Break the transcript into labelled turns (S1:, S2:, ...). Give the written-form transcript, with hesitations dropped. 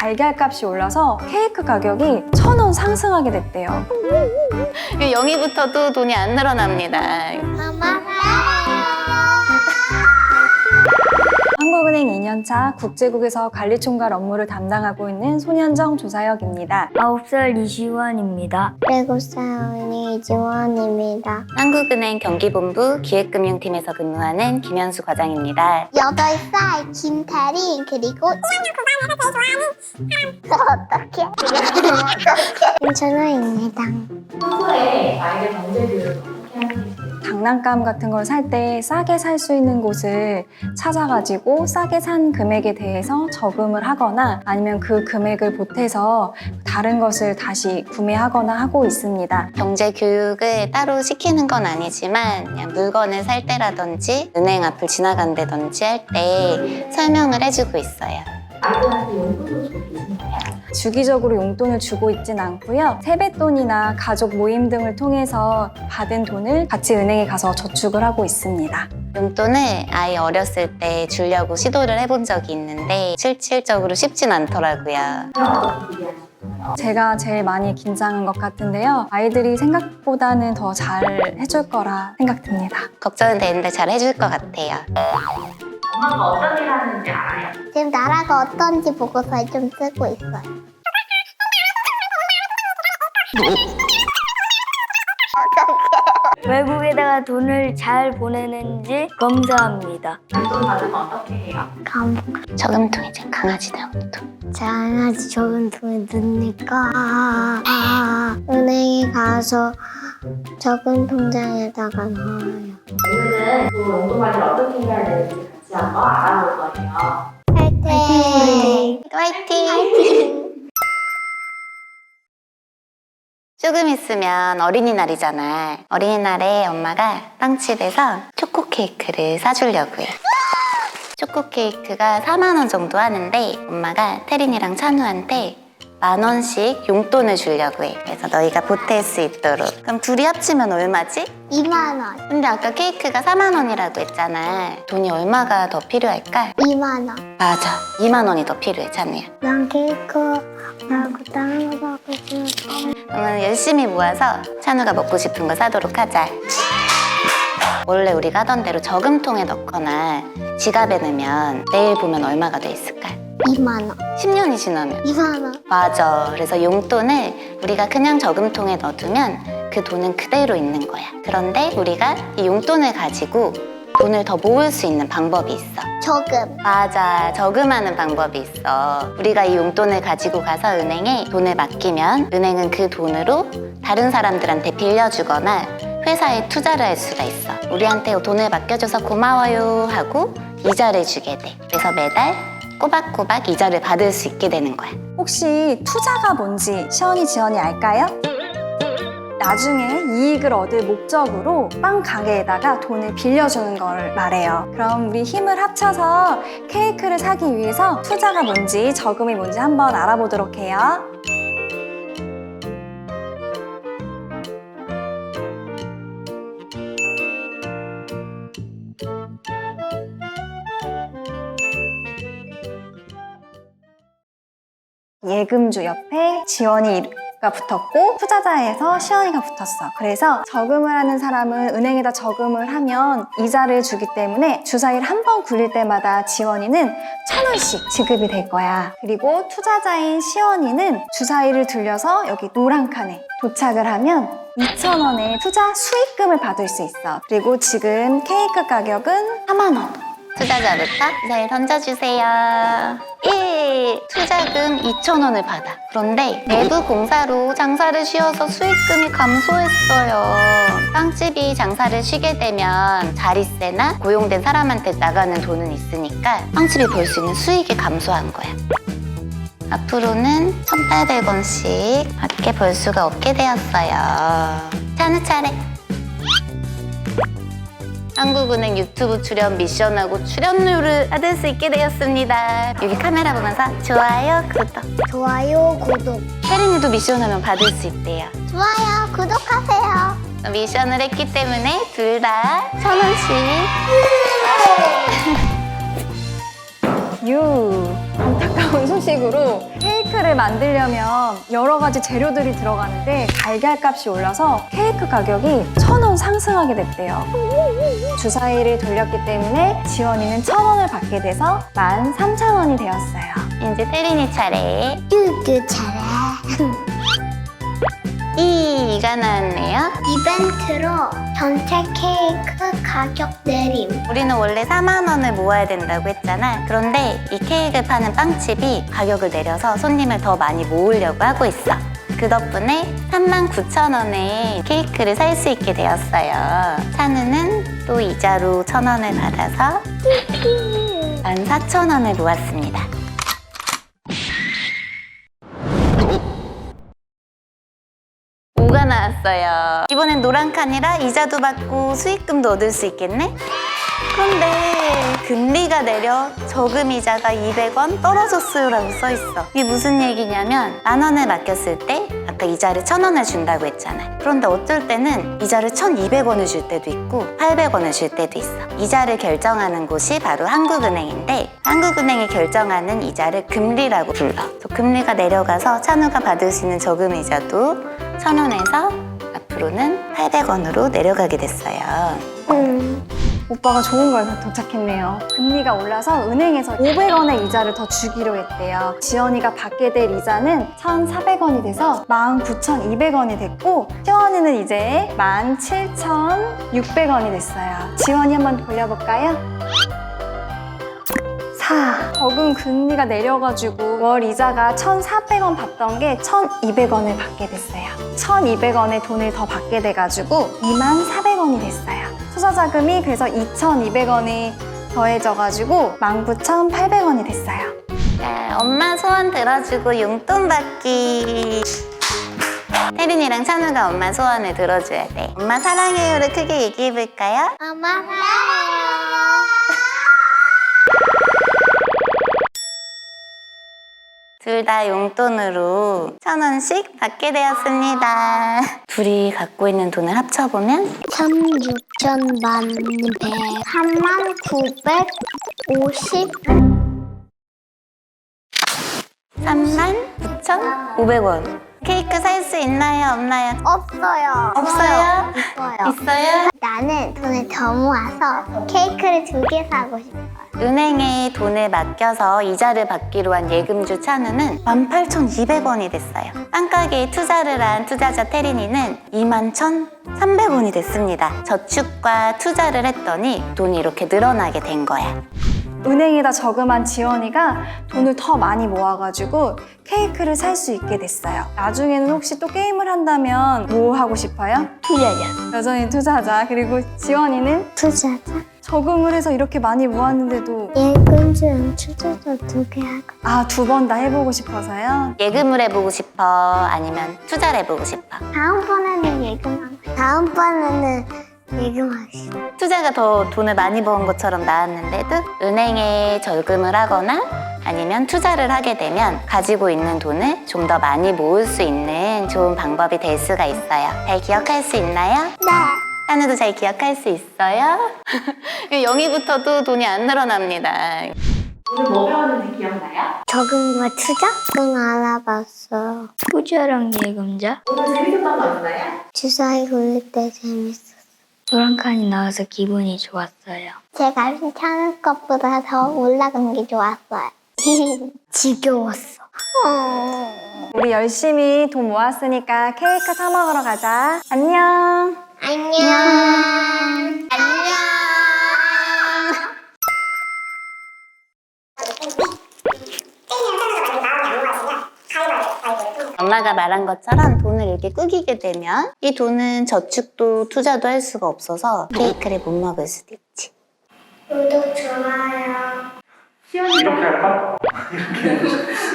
S1: 달걀값이 올라서 케이크 가격이 1,000원 상승하게 됐대요.
S2: 영희부터도 돈이 안 늘어납니다.
S1: 한국은행 2년차 국제국에서 관리총괄 업무를 담당하고 있는 손현정 조사역입니다.
S3: 9살 이시원입니다.
S4: 7살 이지원입니다.
S2: 한국은행 경기본부 기획금융팀에서 근무하는 김현수 과장입니다.
S4: 8살 김태린 그리고 어떡해? 김천호입니다.
S1: 평소에 아이들 경제 교육을 어떻게 하는지 장난감 같은 걸 살 때 싸게 살 수 있는 곳을 찾아가지고 싸게 산 금액에 대해서 저금을 하거나 아니면 그 금액을 보태서 다른 것을 다시 구매하거나 하고 있습니다.
S2: 경제 교육을 따로 시키는 건 아니지만 그냥 물건을 살 때라든지 은행 앞을 지나간다든지 할 때 설명을 해주고 있어요.
S1: 아이들한테 용돈도 주고 계신가요? 주기적으로 용돈을 주고 있진 않고요. 세뱃돈이나 가족 모임 등을 통해서 받은 돈을 같이 은행에 가서 저축을 하고 있습니다.
S2: 용돈을 아이 어렸을 때 주려고 시도를 해본 적이 있는데 실질적으로 쉽진 않더라고요.
S1: 제가 제일 많이 긴장한 것 같은데요. 아이들이 생각보다는 더 잘 해줄 거라 생각됩니다.
S2: 걱정은 되는데 잘 해줄 것 같아요.
S1: 엄마가 어떤 일 하는지 알아요?
S4: 지금 나라가 어떤지 보고서 좀 쓰고 있어요.
S3: 외국에다가 돈을 잘 보내는지 검사합니다.
S1: 용돈 받으면 어떻게 해요?
S2: 저금통이죠. 강아지 저금통.
S4: 장아지 저금통에 넣으니까 은행에 가서 저금 통장에다가 넣어요.
S1: 오늘은 그 용돈 관리를 어떻게 해야 되는지 같이 한번 알아볼 거예요.
S4: 화이팅!
S2: 화이팅! 조금 있으면 어린이날이잖아. 어린이날에 엄마가 빵집에서 초코 케이크를 사주려고요. 초코 케이크가 4만 원 정도 하는데 엄마가 태린이랑 찬우한테 10,000원씩 용돈을 주려고 해. 그래서 너희가 보탤 수 있도록. 그럼 둘이 합치면 얼마지?
S4: 2만 원.
S2: 근데 아까 케이크가 4만 원이라고 했잖아. 돈이 얼마가 더 필요할까?
S4: 2만 원.
S2: 맞아. 2만 원이 더 필요해, 찬우야.
S4: 난 케이크 말고 다른 거 사고 싶어.
S2: 그러면 열심히 모아서 찬우가 먹고 싶은 거 사도록 하자. 원래 우리가 하던 대로 저금통에 넣거나 지갑에 넣으면 내일 보면 얼마가 돼 있을까?
S4: 2만 원.
S2: 10년이 지나면.
S4: 2만 원.
S2: 맞아. 그래서 용돈을 우리가 그냥 저금통에 넣어두면 그 돈은 그대로 있는 거야. 그런데 우리가 이 용돈을 가지고 돈을 더 모을 수 있는 방법이 있어.
S4: 저금.
S2: 맞아. 저금하는 방법이 있어. 우리가 이 용돈을 가지고 가서 은행에 돈을 맡기면 은행은 그 돈으로 다른 사람들한테 빌려주거나 회사에 투자를 할 수가 있어. 우리한테 돈을 맡겨줘서 고마워요 하고 이자를 주게 돼. 그래서 매달 꼬박꼬박 이자를 받을 수 있게 되는 거야.
S1: 혹시 투자가 뭔지 시연이 지연이 알까요? 나중에 이익을 얻을 목적으로 빵 가게에다가 돈을 빌려주는 걸 말해요. 그럼 우리 힘을 합쳐서 케이크를 사기 위해서 투자가 뭔지 저금이 뭔지 한번 알아보도록 해요. 예금주 옆에 지원이가 붙었고 투자자에서 시연이가 붙었어. 그래서 저금을 하는 사람은 은행에다 저금을 하면 이자를 주기 때문에 주사위를 한 번 굴릴 때마다 지원이는 1,000원씩 지급이 될 거야. 그리고 투자자인 시연이는 주사위를 들려서 여기 노란 칸에 도착을 하면 2,000원의 투자 수익금을 받을 수 있어. 그리고 지금 케이크 가격은 4만 원.
S2: 투자자부터 잘 던져주세요. 1. 투자금 2,000원을 받아. 그런데 내부 공사로 장사를 쉬어서 수익금이 감소했어요. 빵집이 장사를 쉬게 되면 자릿세나 고용된 사람한테 나가는 돈은 있으니까 빵집이 벌 수 있는 수익이 감소한 거야. 앞으로는 1,800원씩 밖에 벌 수가 없게 되었어요. 찬우 차례. 한국은행 유튜브 출연 미션하고 출연료를 받을 수 있게 되었습니다. 여기 카메라 보면서 좋아요, 구독.
S4: 좋아요, 구독.
S2: 혜린이도 미션하면 받을 수 있대요.
S4: 좋아요, 구독하세요.
S2: 미션을 했기 때문에 둘 다 1,000원씩.
S1: 유. 안타까운 소식으로 케이크를 만들려면 여러 가지 재료들이 들어가는데 달걀값이 올라서 케이크 가격이 1,000원 상승하게 됐대요. 주사위를 돌렸기 때문에 지원이는 1,000원을 받게 돼서 13,000원이 되었어요.
S2: 이제 태린이 차례.
S4: 뚜뚜 잘해.
S2: 이가 나왔네요.
S4: 이벤트로 전체 케이크 가격 내림.
S2: 우리는 원래 4만 원을 모아야 된다고 했잖아. 그런데 이 케이크를 파는 빵집이 가격을 내려서 손님을 더 많이 모으려고 하고 있어. 그 덕분에 39,000원에 케이크를 살 수 있게 되었어요. 찬우는 또 이자로 1,000원을 받아서 14,000원을 모았습니다. 오가 나왔어요. 이번엔 노란 칸이라 이자도 받고 수익금도 얻을 수 있겠네? 그런데 금리가 내려 저금 이자가 200원 떨어졌어요 라고 써있어. 이게 무슨 얘기냐면 10,000원을 맡겼을 때 아까 이자를 1,000원을 준다고 했잖아. 그런데 어쩔 때는 이자를 1,200원을 줄 때도 있고 800원을 줄 때도 있어. 이자를 결정하는 곳이 바로 한국은행인데 한국은행이 결정하는 이자를 금리라고 불러. 금리가 내려가서 찬우가 받을 수 있는 저금 이자도 1,000원에서 앞으로는 800원으로 내려가게 됐어요.
S1: 오빠가 좋은 걸 도착했네요. 금리가 올라서 은행에서 500원의 이자를 더 주기로 했대요. 지원이가 받게 될 이자는 1,400원이 돼서 19,200원이 됐고 시원이는 이제 17,600원이 됐어요. 지원이 한번 돌려볼까요? 저금 금리가 내려가지고 월 이자가 1,400원 받던 게 1,200원을 받게 됐어요. 1,200원의 돈을 더 받게 돼가지고 24,000원이 됐어요. 투자자금이 그래서 2,200원이 더해져가지고 19,800원이 됐어요.
S2: 자, 엄마 소원 들어주고 용돈 받기. 태린이랑 찬우가 엄마 소원을 들어줘야 돼. 엄마 사랑해요를 크게 얘기해볼까요?
S4: 엄마 사랑해요.
S2: 둘 다 용돈으로 1,000원씩 받게 되었습니다. 둘이 갖고 있는 돈을 합쳐보면
S4: 3,600,000 39,550.
S2: 39,500원. 케이크 살 수 있나요? 없나요?
S4: 없어요.
S2: 없어요?
S4: 없어요.
S2: 있어요?
S4: 나는 돈을 더 모아서 케이크를 2개 사고 싶어요.
S2: 은행에 돈을 맡겨서 이자를 받기로 한 예금주 찬우는 18,200원이 됐어요. 빵가게에 투자를 한 투자자 태린이는 21,300원이 됐습니다. 저축과 투자를 했더니 돈이 이렇게 늘어나게 된 거야.
S1: 은행에다 저금한 지원이가 돈을 더 많이 모아가지고 케이크를 살 수 있게 됐어요. 나중에는 혹시 또 게임을 한다면 뭐 하고 싶어요?
S3: 투자자.
S1: 여전히 투자자. 그리고 지원이는
S4: 투자자.
S1: 저금을 해서 이렇게 많이 모았는데도
S4: 예금주랑 투자자 2개 하고.
S1: 2번 다 해보고 싶어서요.
S2: 예금을 해보고 싶어? 아니면 투자를 해보고 싶어?
S4: 다음번에는 예금하고. 다음번에는 예금하기 싫어.
S2: 투자가 더 돈을 많이 버은 것처럼 나왔는데도 은행에 저금을 하거나 아니면 투자를 하게 되면 가지고 있는 돈을 좀 더 많이 모을 수 있는 좋은 방법이 될 수가 있어요. 잘 기억할 수 있나요?
S4: 네.
S2: 찬우도 잘 기억할 수 있어요? 0위부터도 돈이 안 늘어납니다. 오늘 뭐 배웠는지 기억나요?
S4: 저금과 투자? 응, 알아봤어.
S3: 투자랑 예금자.
S2: 오늘 재밌었던 거 있어요?
S4: 주사위 굴릴 때 재밌었어.
S3: 노란 칸이 나와서 기분이 좋았어요.
S4: 제가 찬우 것보다 더 올라간 게 좋았어요. 지겨웠어.
S1: 우리 열심히 돈 모았으니까 케이크 사 먹으러 가자. 안녕.
S4: 안녕. 안녕.
S2: 엄마가 말한 것처럼 돈을 이렇게 꾸기게 되면 이 돈은 저축도 투자도 할 수가 없어서 케이크를 못 먹을 수도 있지.
S4: 구독, 좋아요.
S5: 이렇게 할까? 이렇게